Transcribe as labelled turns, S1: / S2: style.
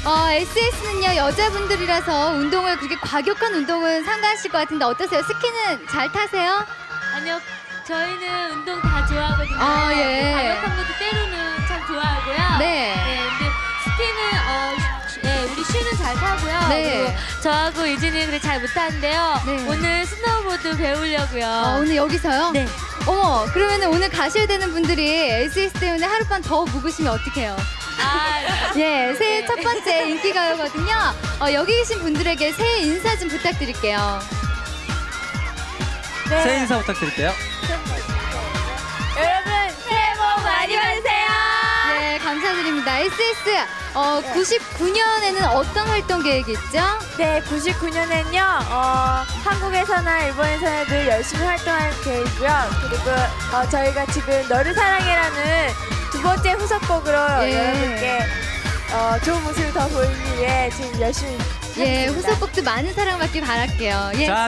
S1: SS는요, 여자분들이라서 운동을 그렇게 과격한 운동은 상가하실 것 같은데 어떠세요? 스키는 잘 타세요?
S2: 아니요, 저희는 운동 다 좋아하거든요.
S1: 아, 예.
S2: 가격한 것도 때로는 참 좋아하고요.
S1: 네.
S2: 근데 스키는 우리 슈는 잘 타고요.
S1: 네.
S2: 그리고 저하고 유진이는 그래 잘 못하는데요.
S1: 네.
S2: 오늘 스노우보드 배우려고요.
S1: 오늘 여기서요?
S2: 네.
S1: 어머, 그러면 오늘 가셔야 되는 분들이 SS 때문에 하룻밤 더 묵으시면 어떡해요? 예, 새해 첫 번째 인기가요거든요. 여기 계신 분들에게 새해 인사 좀 부탁드릴게요.
S2: 네.
S3: 새해 인사 부탁드릴게요.
S2: 여러분 새해 복 많이 받으세요.
S1: 네, 감사드립니다. SS 99년에는 어떤 활동 계획이 있죠?
S4: 네, 99년엔요, 한국에서나 일본에서나 늘 열심히 활동할 계획이고요. 그리고 저희가 지금 너를 사랑해라는 두 번째 후속곡으로
S1: 예.
S4: 여러분께 좋은 모습을 더 보이기 위해 지금 열심히
S1: 예,
S4: 하겠습니다.
S1: 후속곡도 많은 사랑받길 바랄게요. 예.
S3: 자,